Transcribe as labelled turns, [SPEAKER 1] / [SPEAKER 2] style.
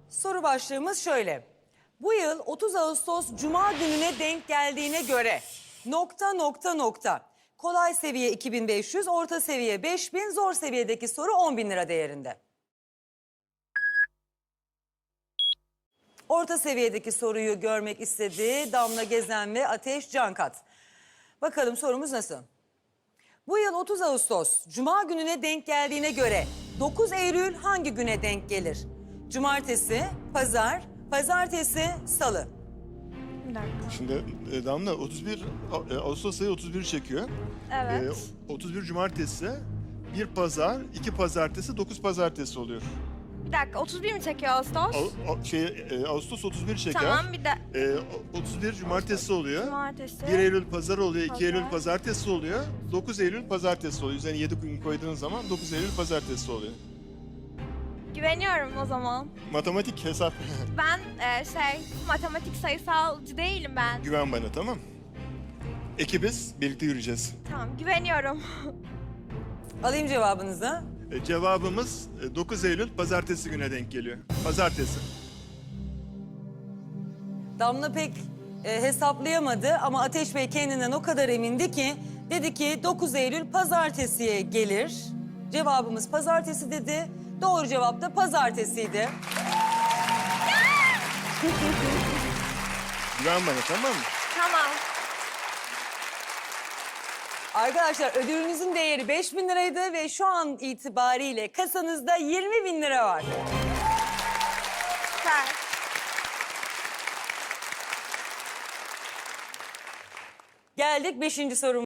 [SPEAKER 1] Soru başlığımız şöyle. Bu yıl 30 Ağustos Cuma gününe denk geldiğine göre ... Kolay seviye 2500, orta seviye 5000, zor seviyedeki soru 10.000 lira değerinde. Orta seviyedeki soruyu görmek istedi Damla Gezen ve Ateş Cankat. Bakalım sorumuz nasıl? Bu yıl 30 Ağustos Cuma gününe denk geldiğine göre 9 Eylül hangi güne denk gelir? Cumartesi, pazar, pazartesi, salı.
[SPEAKER 2] Bir dakika.
[SPEAKER 3] Şimdi Damla 31 Ağustos ayı 31 çekiyor.
[SPEAKER 2] Evet.
[SPEAKER 3] 31 cumartesi, bir pazar, 2 pazartesi, 9 pazartesi oluyor.
[SPEAKER 2] Bir dakika 31 mi çekiyor Ağustos?
[SPEAKER 3] Ağustos 31 çeker.
[SPEAKER 2] Tamam bir de
[SPEAKER 3] 31 cumartesi oluyor.
[SPEAKER 2] cumartesi.
[SPEAKER 3] 1 Eylül pazar oluyor, 2
[SPEAKER 2] Pazar.
[SPEAKER 3] Eylül pazartesi oluyor. 9 Eylül pazartesi oluyor. Üzerine 7 gün koyduğun zaman 9 Eylül pazartesi oluyor.
[SPEAKER 2] Güveniyorum o zaman.
[SPEAKER 3] Matematik hesap.
[SPEAKER 2] Ben matematik sayısalcı değilim ben.
[SPEAKER 3] Güven bana, tamam. Ekibiz, birlikte yürüyeceğiz.
[SPEAKER 2] Tamam güveniyorum.
[SPEAKER 1] Alayım cevabınızı.
[SPEAKER 3] Cevabımız 9 Eylül pazartesi güne denk geliyor. Pazartesi.
[SPEAKER 1] Damla pek hesaplayamadı ama Ateş Bey kendinden o kadar emindi ki dedi ki 9 Eylül pazartesiye gelir. Cevabımız pazartesi dedi. Doğru cevap da pazartesiydi.
[SPEAKER 3] Güven bana, tamam mı?
[SPEAKER 2] Tamam.
[SPEAKER 1] Arkadaşlar ödülünüzün değeri 5.000 liraydı ve şu an itibariyle kasanızda 20.000 lira var.
[SPEAKER 2] Süper.
[SPEAKER 1] Geldik 5. sorumuza.